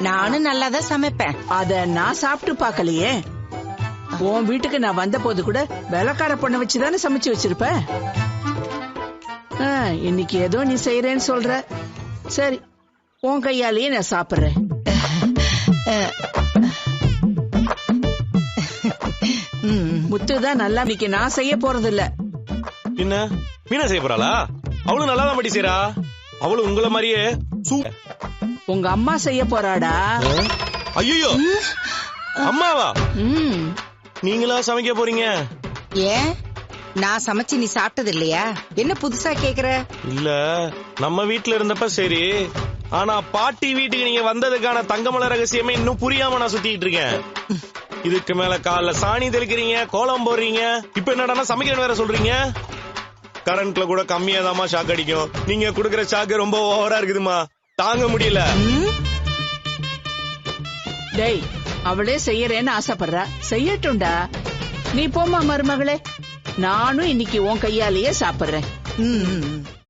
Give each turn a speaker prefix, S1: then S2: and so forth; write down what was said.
S1: நானும் நல்லாதான் சமைப்பேன்.
S2: அத நான் சாப்பிட்டு பாக்கலையே. உன் வீட்டுக்கு நான் வந்த போது கூட வேலைக்கார பொண்ணை வச்சுதானே சமைச்சு வச்சிருப்ப. இன்னைக்கு ஏதோ நீ செய்யறேன்னு சொல்ற. சரி, உன் கையாலேயே நான் சாப்பிடுறேன். முத்துதான் நல்லா. இன்னைக்கு நான் செய்ய போறது இல்ல.
S3: என்ன மீனா செய்ய போறாளா? அவளும் நல்லாதான் பட்டி செய்யறா. அவளும் உங்கள மாதிரியே
S2: உங்க அம்மா செய்ய போறாடா.
S3: ஐயோ, அம்மாவா? நீங்களா சமைக்க போறீங்க?
S1: ஏன், நான் சமைச்சு நீ சாப்பிட்டது இல்லையா? என்ன புதுசா கேக்குற?
S3: இல்ல, நம்ம வீட்டுல இருந்தப்ப சரி. ஆனா பாட்டி வீட்டுக்கு நீங்க வந்ததுக்கான தங்கமலை ரகசியமே இன்னும் புரியாம நான் சுத்திட்டு இருக்கேன். இதுக்கு மேல காலைல சாணி தெளிக்கிறீங்க, கோலம் போடுறீங்க, இப்ப என்னடா சமைக்கிறேன்னு வேற சொல்றீங்க. கரண்ட்ல கூட கம்மியாதாமா ஷாக் அடிக்கும். நீங்க குடுக்கற ஷாக்கு ரொம்ப ஓவரா இருக்குதுமா, தாங்க முடியல.
S2: டேய், அவளே செய்யறேன்னு ஆசைப்படுறா, செய்யட்டும்டா. நீ போமா மருமகளே, நானும் இன்னைக்கு உன் கையாலேயே சாப்பிடுறேன்.